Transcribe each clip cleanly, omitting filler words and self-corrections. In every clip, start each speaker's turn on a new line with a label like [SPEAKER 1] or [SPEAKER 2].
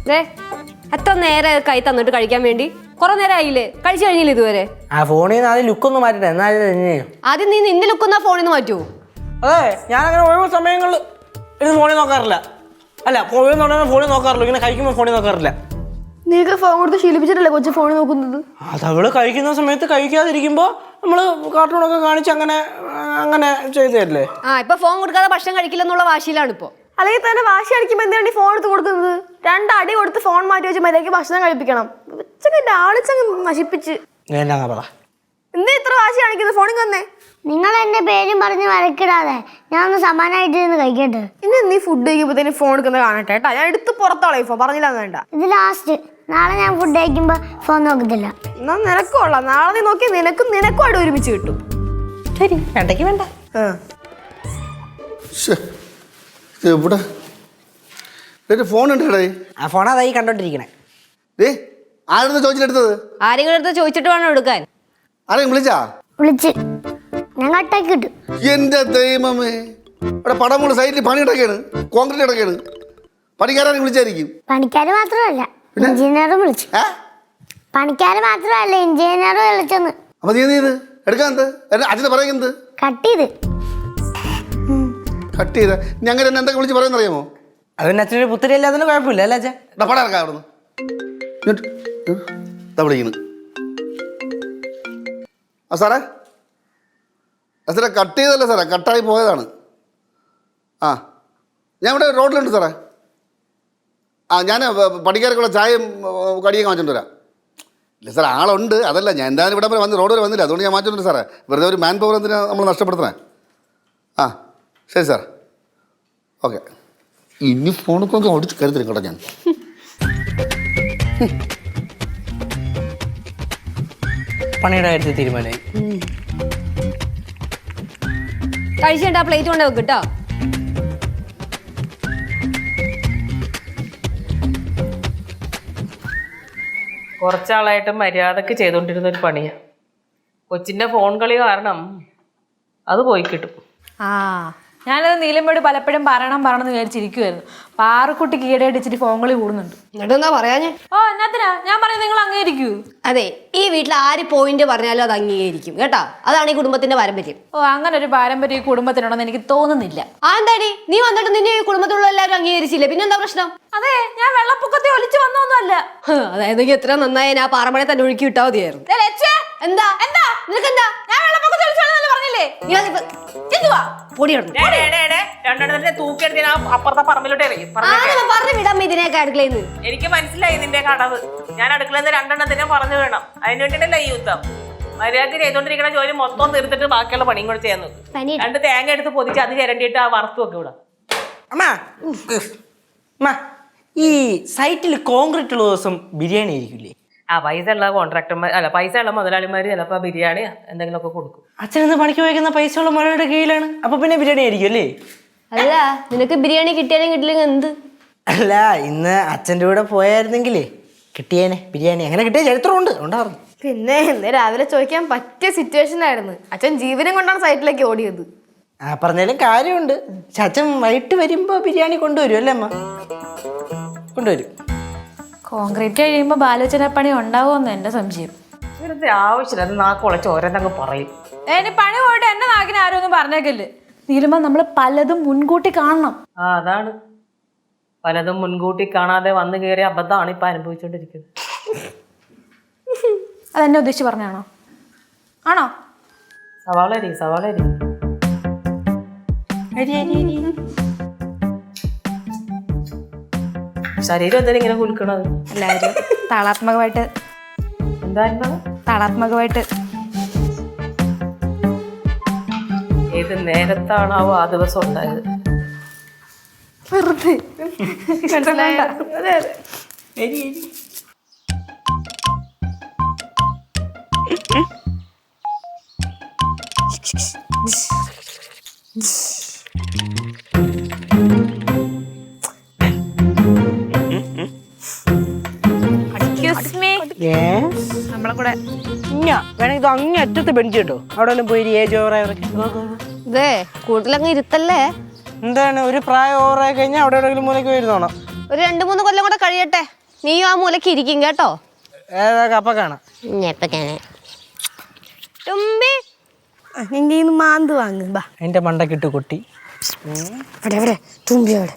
[SPEAKER 1] എത്ര നേരെ കൈ തന്നിട്ട് കഴിക്കാൻ വേണ്ടി കുറെ നേരം ആയില്ലേ കഴിച്ചു കഴിഞ്ഞില്ല ഇതുവരെ
[SPEAKER 2] ആ ഫോണിൽ നിന്ന് ആദ്യം ലുക്കൊന്ന് മാറ്റട്ടെ എന്നാലും
[SPEAKER 1] ആദ്യം നീ നിന്റെ ലുക്കൊന്നാ ഫോണിൽ നിന്ന് മാറ്റുമോ
[SPEAKER 2] അതെ ഞാനങ്ങനെ ഒഴിവ് സമയങ്ങളിൽ ഇത് ഫോണിൽ നോക്കാറില്ല അല്ല ഫോണിൽ നോക്കാറില്ല ഇങ്ങനെ കഴിക്കുമ്പോൾ ഫോണിൽ നോക്കാറില്ല
[SPEAKER 3] നീക്ക് ഫോൺ കൊടുത്ത് ശീലിപ്പിച്ചിട്ടല്ലേ കൊച്ചു ഫോണിൽ നോക്കുന്നത്
[SPEAKER 2] അതവള് കഴിക്കുന്ന സമയത്ത് കഴിക്കാതിരിക്കുമ്പോ നമ്മള് കാർട്ടൂണൊക്കെ കാണിച്ച് അങ്ങനെ അങ്ങനെ ചെയ്തല്ലേ
[SPEAKER 1] ഇപ്പൊ ഫോൺ കൊടുക്കാതെ ഭക്ഷണം കഴിക്കില്ലെന്നുള്ള വാശിയിലാണ് ഇപ്പൊ
[SPEAKER 3] അല്ലെങ്കിൽ തന്നെ വാശി അടിക്കുമ്പോൾ എന്തിനാണ് ഈ ഫോൺ എടുത്ത് കൊടുക്കുന്നത് 2 അടി കൊടുത്ത് ഫോൺ മാറ്റി വെച്ച് മര്യാദയ്ക്ക് ഭക്ഷണം കഴിപ്പിക്കണം ആളിച്ചങ്ങ് നശിപ്പിച്ച്
[SPEAKER 2] എന്നാ പറ
[SPEAKER 3] എന്താ ഇത്ര വാശി കാണിക്കുന്നത് ഫോണിൽ വന്നേ
[SPEAKER 4] നിങ്ങൾ എന്റെ പേരും പറഞ്ഞ് വരക്കിടാതെ ഞാൻ ഒന്ന് സമാനായിട്ട് ഇരുന്ന് കഴിക്കട്ടെ
[SPEAKER 3] ഇനി നീ ഫുഡ് കഴിക്കുമ്പോഴത്തേന് ഫോൺ എടുക്കുന്നത് കാണട്ടെ കേട്ടാ ഞാൻ എടുത്ത് പുറത്തോളെ ഇപ്പൊ പറഞ്ഞില്ല വേണ്ട
[SPEAKER 4] ഇത് ലാസ്റ്റ് നാളെ ഞാൻ ഫുഡ് കഴിക്കുമ്പോ ഫോൺ നോക്കത്തില്ല
[SPEAKER 3] എന്നാ നിനക്കും ഉള്ള നാളെ നീ നോക്കി നിനക്കും അവിടെ ഒരുമിച്ച് കിട്ടും
[SPEAKER 2] ശരി വേണ്ടക്ക് വേണ്ട
[SPEAKER 5] ഇവിടെ ഫോൺ ഉണ്ട്
[SPEAKER 2] ആ ഫോൺ അതായി കണ്ടോണ്ടിരിക്കണേ
[SPEAKER 5] ആരെടുത്ത് ചോദിച്ചെടുത്തത്
[SPEAKER 1] ആരെങ്കിലും അടുത്ത് ചോദിച്ചിട്ട് വേണം എടുക്കാൻ
[SPEAKER 5] ആരെയും
[SPEAKER 4] വിളിച്ച് ഞാൻ കട്ടാക്കി കിട്ടും
[SPEAKER 5] എന്റെ ദൈവമേ ഇവിടെ പടമുള്ള സൈറ്റിൽ പണി കിടക്കാണ് കോൺക്രീറ്റ് കിടക്കാണ് പണിക്കാരെ വിളിച്ചായിരിക്കും
[SPEAKER 4] പണിക്കാര് മാത്രമല്ല എഞ്ചിനീയറും വിളിച്ചു പണിക്കാര് മാത്രമല്ല എഞ്ചിനീയറും വിളിച്ചെന്ന്
[SPEAKER 5] അപ്പൊ നീ ഇത് എടുക്കാൻ അച്ഛനെ പറയുന്നത് കട്ട് ചെയ്ത ഞങ്ങൾ എന്നെ എന്തൊക്കെ വിളിച്ച് പറയുന്ന അറിയാമോ
[SPEAKER 2] അതിന് അച്ഛനൊരു പുത്തരി അല്ലാതെ കുഴപ്പമില്ല അല്ലേ അച്ഛൻ
[SPEAKER 5] പടം ഇറക്കാം അവിടുന്ന് വിളിക്കുന്നു ആ സാറേ സാറേ കട്ട് ചെയ്തല്ലേ സാറേ കട്ടായി പോയതാണ് ആ ഞാൻ ഇവിടെ റോഡിലുണ്ട് സാറേ ഞാൻ പണിക്കാർക്കുള്ള ചായയും കടിയൊക്കെ മാറ്റിട്ട് വരാം ഇല്ല സാർ ആളുണ്ട് അതല്ല ഞാൻ എന്തായാലും ഇവിടെ വരെ വന്ന് റോഡ് വരെ വന്നില്ല അതുകൊണ്ട് ഞാൻ മാറ്റിട്ടുണ്ട് സാറേ വെറുതെ ഒരു മാൻ പവർ എന്തിനാ നമ്മൾ നഷ്ടപ്പെടുത്തണേ ആ ശരി സാർ ഓക്കെ ഇനി ഫോണൊക്കെ ഓടിച്ച് കരുതരും കേട്ടോ ഞാൻ
[SPEAKER 2] പണിയുടെ കാര്യത്തിൽ തീരുമാനമായി
[SPEAKER 1] കഴിച്ചിട്ട് ആ പ്ലേറ്റ് കൊണ്ട് വെക്ക് കേട്ടോ
[SPEAKER 6] കുറച്ചാളായിട്ട് മര്യാദക്ക് ചെയ്തുകൊണ്ടിരുന്ന ഒരു പണിയാണ് കൊച്ചിൻ്റെ ഫോൺ കളി കാരണം അത് പോയി കിട്ടും
[SPEAKER 7] ഞാനത് നീലമ്മയോട് പലപ്പോഴും പറയണമെന്ന് വിചാരിച്ചിരിക്കുമായിരുന്നു പാറക്കുട്ടിക്ക് ഈടയടിച്ചിട്ട് ഫോൺ കളി കൂടുന്നുണ്ട്
[SPEAKER 1] എന്നിട്ട് എന്താ പറയാഞ്ഞേ
[SPEAKER 7] എന്നാത്തിനാ ഞാൻ പറയുന്നത് നിങ്ങൾ അംഗീകരിക്കൂ
[SPEAKER 1] അതെ ഈ വീട്ടിൽ ആര് പോയിന്റ് പറഞ്ഞാലും അത് അംഗീകരിക്കും കേട്ടോ അതാണ് ഈ കുടുംബത്തിന്റെ പാരമ്പര്യം
[SPEAKER 7] അങ്ങനെ ഒരു പാരമ്പര്യം ഈ കുടുംബത്തിനുണ്ടെന്ന് എനിക്ക് തോന്നുന്നില്ല
[SPEAKER 1] എന്താടി നീ വന്നിട്ട് നിന്നെ ഈ കുടുംബത്തിലുള്ള എല്ലാവരും അംഗീകരിച്ചില്ലേ പിന്നെന്താ പ്രശ്നം
[SPEAKER 7] അതെ ഞാൻ വെള്ളപ്പൊക്കത്തെ ഒലിച്ചു വന്നൊന്നുമല്ല
[SPEAKER 1] അതായത് എത്ര നന്നായി ഞാൻ പാറമഴ തന്നെ ഒഴുക്കി വിട്ടാ മതിയായിരുന്നു എന്താ എന്താ നിനക്കെന്താ
[SPEAKER 7] ഞാൻ വെള്ളപ്പൊക്കത്തെ ഒലിച്ചു പറഞ്ഞില്ലേ
[SPEAKER 6] അപ്പുറത്തെ പറമ്പിലോട്ട് എറിയും എനിക്ക് മനസ്സിലായി നിന്റെ കടവ് ഞാൻ അടുക്കളയിൽ 2 എണ്ണത്തിനെ പറഞ്ഞു വേണം അതിന് വേണ്ടിയിട്ടല്ല ഈ യുദ്ധം മര്യാദക്ക് ചെയ്തോണ്ടിരിക്കണ ജോലി മൊത്തം തീർത്തിട്ട് ബാക്കിയുള്ള പണിയും കൂടെ ചെയ്യാൻ നോക്കും 2 തേങ്ങ എടുത്ത് പൊതിച്ച് അത് ചിരണ്ടിയിട്ട് ആ വറുത്തു വെക്കും ഇവിടെ
[SPEAKER 2] അമ്മ ഈ സൈറ്റിൽ കോൺക്രീറ്റ് ഉള്ള ദിവസം ബിരിയാണി ആയിരിക്കില്ലേ
[SPEAKER 6] പൈസ ഉള്ള കോൺട്രാക്ടർമാർ അല്ല പൈസ ഉള്ള മുതലാളിമാർ ചിലപ്പോൾ ബിരിയാണി എന്തെങ്കിലുമൊക്കെ കൊടുക്കും
[SPEAKER 2] അച്ഛനെന്ന് പണിക്ക് വയ്ക്കുന്ന പൈസയുള്ള മഴയുടെ കീഴിലാണ് അപ്പൊ പിന്നെ ബിരിയാണി ആയിരിക്കും അല്ലേ
[SPEAKER 1] അല്ല നിനക്ക് ബിരിയാണി കിട്ടിയാലും കിട്ടില്ലെങ്കിൽ എന്ത്
[SPEAKER 2] അല്ല ഇന്ന് അച്ഛൻ്റെ കൂടെ പോയായിരുന്നെങ്കിലേ കിട്ടിയേനെ ബിരിയാണി അങ്ങനെ കിട്ടിയ ചരിത്രമുണ്ട് ഉണ്ടായിരുന്നു
[SPEAKER 3] പിന്നെ ഇന്ന് രാവിലെ ചോദിക്കാൻ പറ്റിയ സിറ്റുവേഷൻ ആയിരുന്നു അച്ഛൻ ജീവനം കൊണ്ടാണ് സൈറ്റിലേക്ക് ഓടിയത്
[SPEAKER 2] പറഞ്ഞാലും കാര്യമുണ്ട് പക്ഷെ അച്ഛൻ വൈകിട്ട് വരുമ്പോ ബിരിയാണി കൊണ്ടുവരും അല്ലേ അമ്മ കൊണ്ടുവരും
[SPEAKER 7] കോൺക്രീറ്റ് കഴിയുമ്പോൾ ബാലോചനപ്പണി ഉണ്ടാവുമെന്ന് എൻ്റെ സംശയം
[SPEAKER 6] ഇവരുടെ ആവശ്യമില്ല അത് നാക്കുളച്ച് ഓരോന്നങ്ങ് പറയും
[SPEAKER 7] ഇനി പണി പോയിട്ട് എന്റെ നാക്കിന് ആരും ഒന്നും പറഞ്ഞേക്കല്ലേ നീലുമ്പോ നമ്മള് പലതും മുൻകൂട്ടി കാണണം
[SPEAKER 6] അതാണ് പലതും മുൻകൂട്ടി കാണാതെ വന്നു കയറിയ അബദ്ധമാണ് ഇപ്പൊ അനുഭവിച്ചോണ്ടിരിക്കുന്നത്
[SPEAKER 7] അതെന്നെ ഉദ്ദേശിച്ച് പറഞ്ഞാണോ ആണോ
[SPEAKER 6] സവാളരി ശരീരം എന്തിനാ ഇങ്ങനെ കുലുക്കണത്
[SPEAKER 7] എല്ലാവരും താളാത്മകമായിട്ട് താളാത്മകമായിട്ട്
[SPEAKER 6] ഏത് നേരത്താണാവോ ആ ദിവസം ഉണ്ടായത്
[SPEAKER 7] നമ്മളെ കൂടെ
[SPEAKER 2] വേണമെങ്കിൽ ഇത് അങ്ങേ അറ്റത്ത് ബെഞ്ച് കേട്ടോ അവിടെ പോയി ഏജ് ഓവറായവരൊക്കെ
[SPEAKER 1] ഇതേ കൂടുതലങ്ങ് ഇരുത്തല്ലേ
[SPEAKER 2] എന്താണ് ഒരു പ്രായം ഓവറായി കഴിഞ്ഞാൽ അവിടെ എവിടെയെങ്കിലും മൂലയ്ക്ക് വരുന്നോണം
[SPEAKER 1] ഒരു 2-3 കൊല്ലം കൂടെ കഴിയട്ടെ നീയും ആ മൂലക്ക് ഇരിക്കും കേട്ടോ.
[SPEAKER 2] ഏതാ കപ്പ കാണാം.
[SPEAKER 3] തുമ്പി നിന്റെ കയ്യിൽ നിന്ന് മാന്ത് വാങ്ങ് ബാ.
[SPEAKER 2] എൻ്റെ മണ്ടക്കിട്ട് കൊട്ടി.
[SPEAKER 3] എവിടെ തുമ്പി അവിടെ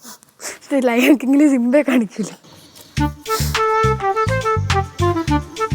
[SPEAKER 3] ലയൺക്കിങ്ങില് സിംബെ കാണിക്കൂല.